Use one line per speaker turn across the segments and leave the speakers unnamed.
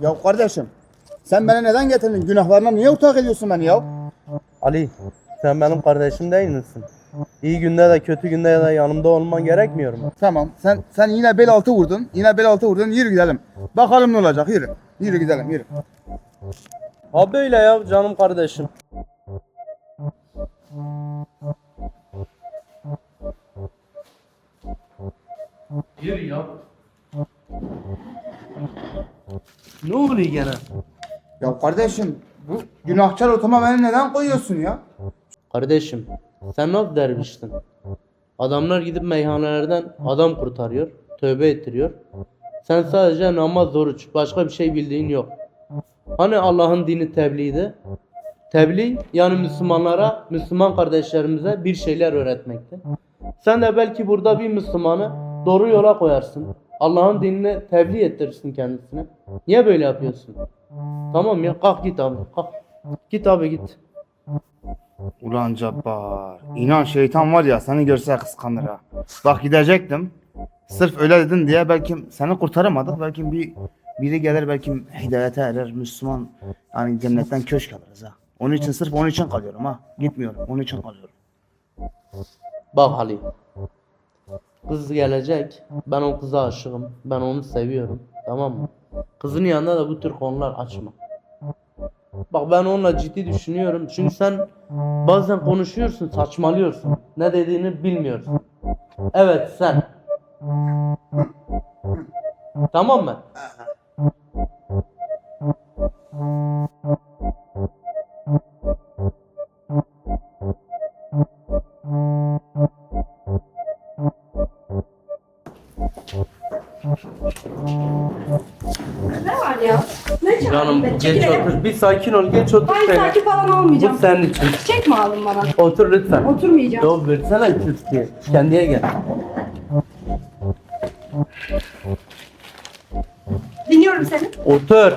Ya kardeşim, sen beni neden getirdin? Günahlarına niye ortak ediyorsun beni ya?
Ali, sen benim kardeşim değil misin? İyi günde de kötü günde de yanımda olman gerekmiyor mu?
Tamam, sen yine bel altı vurdun. Yine bel altı vurdun. Yürü gidelim. Bakalım ne olacak. Yürü. Yürü gidelim, yürü.
Ha böyle ya canım kardeşim. Yürü ya. Ne oluyor gene?
Ya kardeşim, bu günahkar ortama beni neden koyuyorsun ya?
Kardeşim, sen nasıl derviştin? Adamlar gidip meyhanelerden adam kurtarıyor, tövbe ettiriyor. Sen sadece namaz, oruç, başka bir şey bildiğin yok. Hani Allah'ın dini tebliğdi? Tebliğ yani Müslümanlara, Müslüman kardeşlerimize bir şeyler öğretmekti. Sen de belki burada bir Müslümanı doğru yola koyarsın. Allah'ın dinini tebliğ ettirirsin kendisine. Niye böyle yapıyorsun? Tamam ya kalk git abi kalk. Git abi git.
Ulan Cabbar, inan şeytan var ya seni görse kıskanır ha. Bak gidecektim. Sırf öyle dedin diye belki seni kurtaramadık. Belki biri gelir belki hidayete erer Müslüman. Yani cennetten köşk alırız ha. Onun için sırf onun için kalıyorum ha. Gitmiyorum. Onun için kalıyorum.
Bak Ali. Kız gelecek. Ben o kıza aşığım. Ben onu seviyorum. Tamam mı? Kızın yanında da bu tür konular açma. Bak ben onunla ciddi düşünüyorum. Çünkü sen bazen konuşuyorsun, saçmalıyorsun. Ne dediğini bilmiyorsun. Evet sen. Tamam mı?
Ne var ya? Ne çağırdın
Canım
beni?
geç
Çekil
otur. Bir sakin ol. Geç otur.
Hayır
şöyle.
sakin falan
Bu
olmayacağım.
senin için.
Çekme alın bana.
Otur lütfen.
Oturmayacağım.
Yok versene Türkiye. Kendine gel.
Dinliyorum seni.
Otur.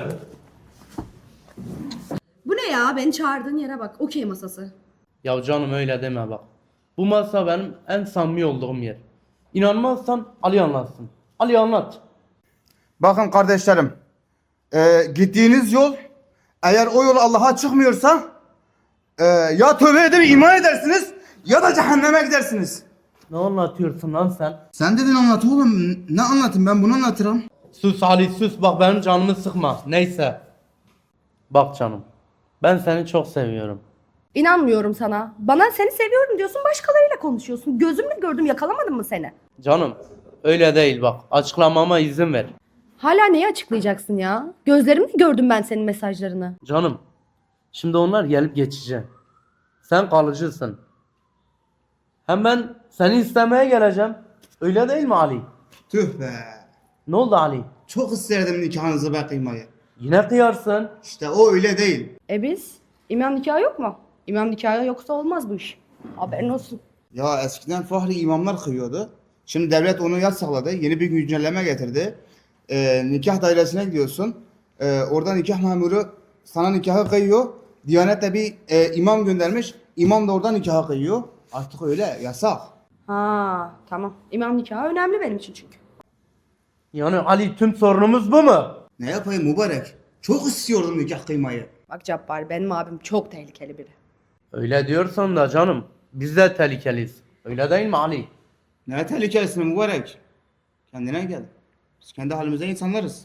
Bu ne ya? Beni çağırdığın yere bak. Okey masası.
Ya canım öyle deme bak. Bu masa benim en samimi olduğum yer. İnanmazsan Ali anlatsın. Ali anlat.
Bakın kardeşlerim. Gittiğiniz yol eğer o yol Allah'a çıkmıyorsa ya tövbe edip iman edersiniz ya da cehenneme gidersiniz.
Ne anlatıyorsun lan sen?
Sen dedin anlat oğlum. Ne anlatayım ben bunu anlatırım.
Sus Ali sus bak benim canımı sıkma. Neyse. Bak canım. Ben seni çok seviyorum.
İnanmıyorum sana. Bana seni seviyorum diyorsun, başkalarıyla konuşuyorsun. Gözümle gördüm, yakalamadım mı seni?
Canım öyle değil bak. Açıklamama izin ver.
Hala neyi açıklayacaksın ya? Gözlerimle gördüm ben senin mesajlarını.
Canım. Şimdi onlar gelip geçecek. Sen kalıcısın. Hem ben seni istemeye geleceğim. Öyle değil mi Ali?
Tüh be.
Ne oldu Ali?
Çok isterdim nikahınızı be kıymayı.
Yine kıyarsın.
İşte o öyle değil.
Biz? İmam nikahı yok mu? İmam nikahı yoksa olmaz bu iş. Haberin olsun.
Ya eskiden fahri imamlar kıyıyordu. Şimdi devlet onu yasakladı. Yeni bir güncelleme getirdi. Nikah dairesine gidiyorsun. Orada nikah memuru sana nikahı kıyıyor. Diyanet de bir imam göndermiş. İmam da oradan nikahı kıyıyor. Artık öyle yasak.
Ha, tamam. İmam nikahı önemli benim için çünkü.
Yani Ali tüm sorunumuz bu mu?
Ne yapayım mübarek? Çok istiyordum nikah kıymayı.
Bak Cabbar, benim abim çok tehlikeli biri.
Öyle diyorsan da canım. Biz de tehlikeliyiz. Öyle değil mi Ali?
Ne tehlikelisin mübarek? Kendine gel. Biz kendi halimize insanlarız.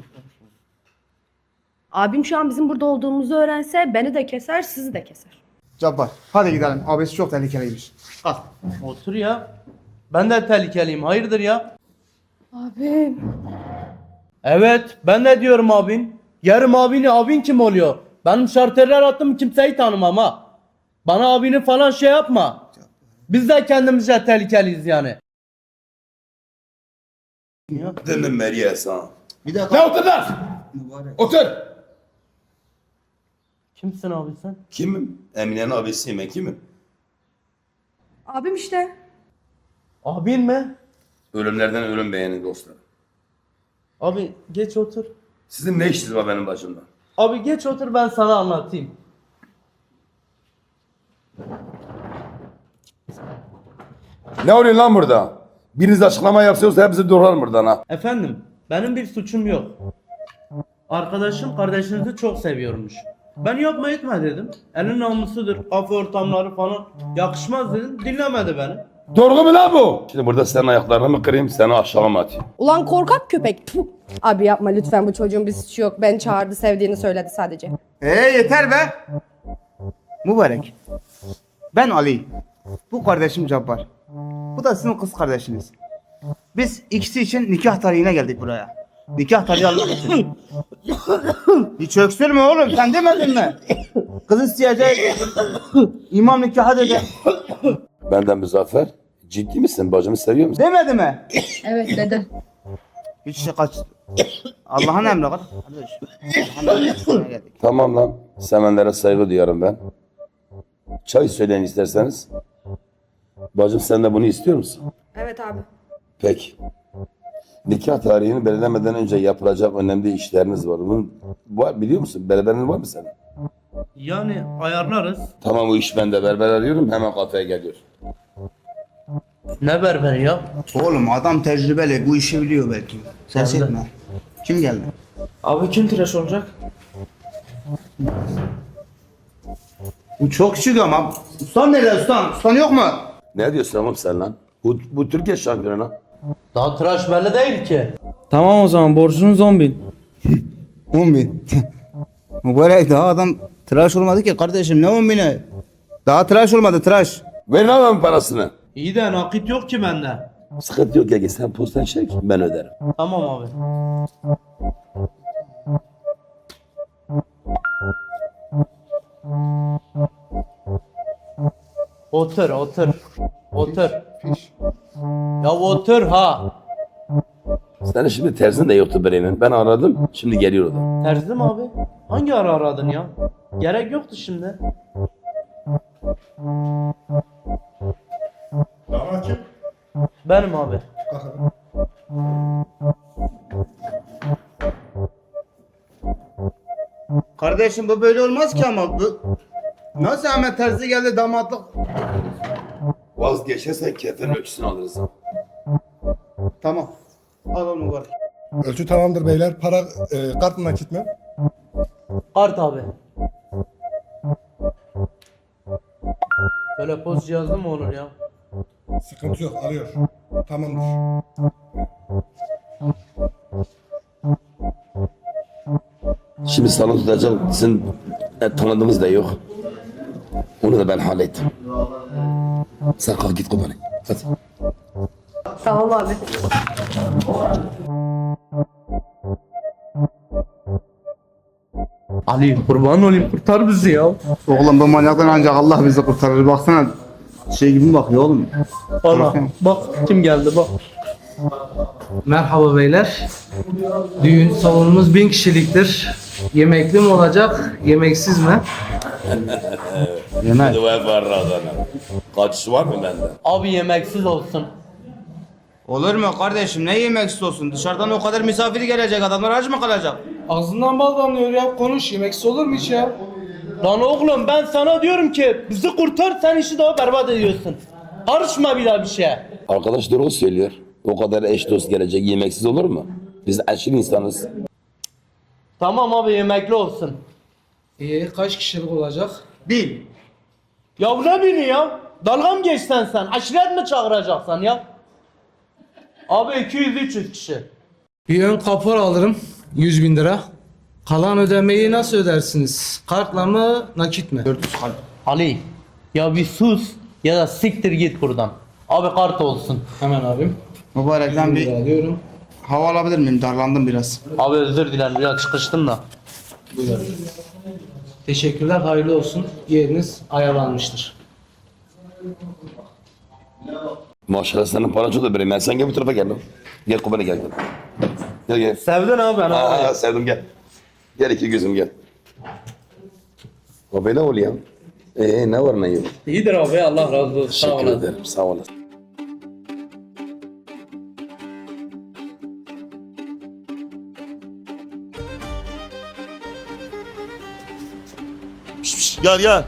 Abim şu an bizim burada olduğumuzu öğrense beni de keser, sizi de keser.
Cabbar hadi gidelim. Abisi çok tehlikeliymiş. Al.
Otur ya. Ben de tehlikeliyim. Hayırdır ya?
Abim.
Evet ben de diyorum abin. Yarım abin kim oluyor? Benim şarterler attım kimseyi tanımam ha. Bana abini falan şey yapma. Biz de kendimizce tehlikeliyiz yani.
Değil mi Meryem ha?
Bir dakika.
Ne otur lan?
Mübarek.
Otur.
Kimsin abi sen?
Kimim? Emine'nin abisiyim ben kimim?
Abim işte.
Abin mi?
Ölümlerden ölüm beğenin dostlar.
Abi geç otur.
Sizin ne işiniz var benim başımda?
Abi geç otur ben sana anlatayım.
Ne oluyor lan burada? Biriniz açıklama yapsa hepsi doğrar buradan ha.
Efendim benim bir suçum yok. Arkadaşım kardeşinizi çok seviyormuş. Ben yapma etme dedim. Elin namusudur, kafe ortamları falan. Yakışmaz dedim. Dinlemedi beni.
Doğru mu lan bu? Şimdi burada senin ayaklarını mı kırayım, seni aşağı mı atayım?
Ulan korkak köpek. Puh. Abi yapma lütfen, bu çocuğun bir suçu yok. Ben çağırdı, sevdiğini söyledi sadece.
Yeter be. Mübarek. Ben Ali. Bu kardeşim Cabbar. Bu da sizin kız kardeşiniz. Biz ikisi için nikah tarihine geldik buraya. Nikah tarihi almak için. Hiç öksürme oğlum, sen demedin mi? Kız isteyecek. İmam nikahı dedi.
Benden Muzaffer, ciddi misin? Bacımı seviyor musun?
Demedi mi?
Evet dedi.
Hiç şey kaç. Allah'ın emri kardeş. Allah'ın emrine geldik.
Tamam lan, sevenlere saygı duyarım ben. Çay söyleyin isterseniz. Bacım sen de bunu istiyor musun?
Evet abi.
Peki. Nikah tarihini belirlemeden önce yapılacak önemli işleriniz var. Bunu var, biliyor musun? Berberin var mı senin?
Yani ayarlarız.
Tamam, o iş bende. Berber arıyorum, hemen kafeye geliyor.
Ne berberi ya?
Oğlum adam tecrübeli, bu işi biliyor belki. Ses
Geldi.
etme. Kim geldi?
Abi kim tıraş olacak?
Bu çok küçük ama. Ustan nerede ustan? Ustan yok mu?
Ne diyorsun oğlum sen lan? Bu Türkiye şampiyonu lan.
Daha tıraş belli değil ki.
Tamam o zaman borcunuz 10.000.
10.000. Mübarek daha adam tıraş olmadı ki kardeşim, ne 10.000'i? Daha tıraş olmadı, tıraş.
Verin adamın parasını.
İyi de nakit yok ki bende.
Sıkıntı yok ya, sen postan çek, ben öderim.
Tamam abi. Otur, otur. Otur. Ya otur ha.
Senin şimdi terzin de yoktu Bremen. Ben aradım, şimdi geliyor o da.
Terzi mi abi? Hangi ara aradın ya? Gerek yoktu şimdi. Benim abi.
Kardeşim bu böyle olmaz ki ama. Bu... Nasıl Ahmet Terzi geldi damatlık?
Vazgeçersen kefen ölçüsünü alırız.
Tamam. Al onu mübarek.
Ölçü tamamdır beyler. Para kart mı nakit mi?
Kart abi. Böyle poz cihazlı mı olur ya?
Sıkıntı yok, alıyor. Tamamdır.
Şimdi salon tutacak, sizin tanıdığımız da yok. Onu da ben hallettim. Sen kalk git kurbanı. Hadi.
Tamam abi.
Ali kurban olayım kurtar bizi ya.
Oğlum bu manyaktan ancak Allah bizi kurtarır. Baksana şey gibi mi bakıyor oğlum?
Bana bak kim geldi bak.
Merhaba beyler. Düğün salonumuz 1000 kişiliktir. Yemekli mi olacak, yemeksiz mi?
Yemek.
Dua var adana. Kaçışı var mı bende?
Abi yemeksiz olsun.
Olur mu kardeşim, ne yemek istiyorsun? Dışarıdan o kadar misafir gelecek, adamlar aç mı kalacak?
Ağzından bal damlıyor ya. Konuş, yemeksiz olur mu hiç ya?
Lan oğlum ben sana diyorum ki bizi kurtar sen işi daha berbat ediyorsun. Karışma bir daha bir şeye.
Arkadaş doğru söylüyor. O kadar eş dost gelecek, yemeksiz olur mu? Biz aşırı insanız.
Tamam abi yemekli olsun.
İyi, kaç kişilik olacak?
Bil.
Ya ne beni ya? Dalga mı geçsen sen? Aşiret mi çağıracaksan ya? Abi 200-300 kişi.
Bir ön kapor alırım. 100.000 lira. Kalan ödemeyi nasıl ödersiniz? Kartla mı, nakit mi?
Ali ya bir sus ya da siktir git buradan. Abi kart olsun.
Hemen abim.
Mübarekten
100.000 lira
bir
alıyorum.
hava alabilir miyim? Darlandım biraz.
Abi özür dilerim biraz çıkıştım da.
Buyurun. Teşekkürler, hayırlı olsun. Yeriniz ayarlanmıştır.
Maşallah senin paran çok da Bremen. Sen gel bu tarafa gel lan. Gel kurbanı gel. Gel gel.
Sevdin abi ben abi.
Sevdim gel. Gel iki gözüm gel. O böyle oluyor. Ne var ne yok.
İyidir abi Allah razı olsun. Sağ
Teşekkür
olasın.
ederim. Sağ olasın.
Gel gel.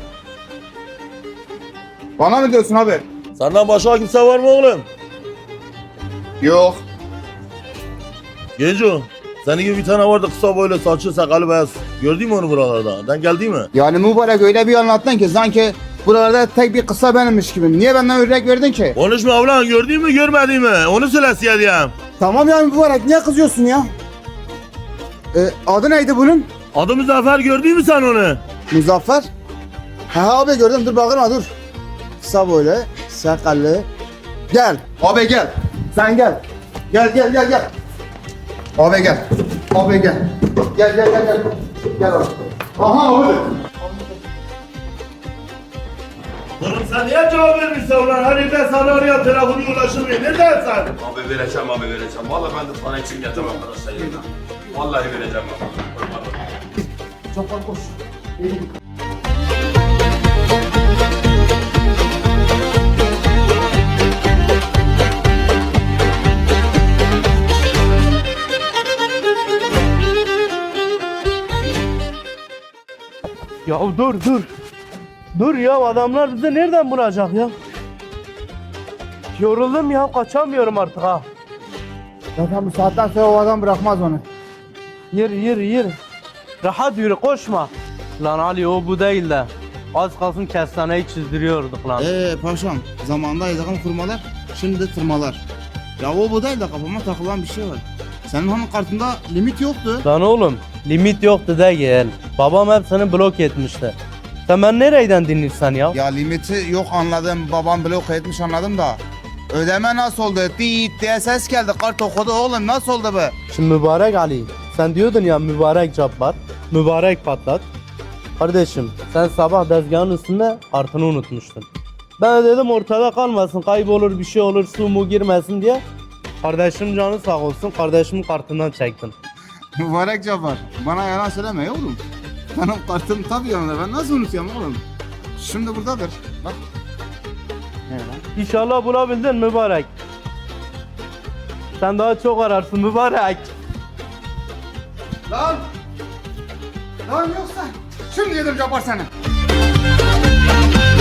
Bana mı diyorsun abi?
Senden başka kimse var mı oğlum?
Yok.
Genco Senin gibi bir tane vardı kısa boylu saçlı sakalı beyaz. Gördün mü onu buralarda? Den geldi mi?
Yani mübarek öyle bir anlattın ki sanki buralarda tek bir kısa benimmiş gibi. Niye benden örnek verdin ki?
Konuşma ulan, gördün mü görmedin mi? Onu söyle diyeyim.
Tamam yani mübarek niye kızıyorsun ya? Adı neydi bunun?
Adı Muzaffer, gördün mü sen onu?
Muzaffer. Ha abi gördüm, dur bakın dur. Kısa böyle sakallı. Gel abi gel. Sen gel. Gel. Abi gel. Abi gel. Gel. Gel abi. Aha abi.
Oğlum sen niye cevap vermişsin ulan? Hani ben sana araya telefonu ulaşılmıyor. Neredesin sen?
Abi vereceğim. Vallahi ben de sana için geldim arkadaşlar yerine. Vallahi vereceğim abi.
Çok koş.
Ya dur. Dur ya, adamlar bizi nereden bulacak ya? Yoruldum ya, kaçamıyorum artık ha.
Zaten bu saatten sonra o adam bırakmaz onu.
Yürü. Rahat yürü, koşma. Lan Ali, o bu değil de. Az kalsın kestaneyi çizdiriyorduk lan.
Paşam zamanında yazılan kurmalar şimdi tırmalar. Ya o bu değil de kafama takılan bir şey var. Senin hanım kartında limit yoktu.
Lan oğlum, limit yoktu değil. Babam hepsini blok etmişti. Sen ben nereden dinlersen ya?
Ya limiti yok anladım. Babam blok etmiş anladım da. Ödeme nasıl oldu? Diit diye ses geldi. Kart okudu oğlum, nasıl oldu bu?
Şimdi mübarek Ali, sen diyordun ya mübarek Cabbar, mübarek Patlat. Kardeşim, sen sabah tezgahın üstünde kartını unutmuştun. Ben de dedim ortada kalmasın, kaybolur bir şey olur, su mu girmesin diye. Kardeşim canı sağ olsun, kardeşimin kartından çektim.
Mübarek Cabbar. Bana yalan söyleme oğlum. Benim kartım tabii yanında. Ben nasıl unutuyorum oğlum? Şimdi buradadır. Bak. Ne lan?
İnşallah bulabildin mübarek. Sen daha çok ararsın mübarek.
Lan yoksa şimdi yedim Cabbar seni.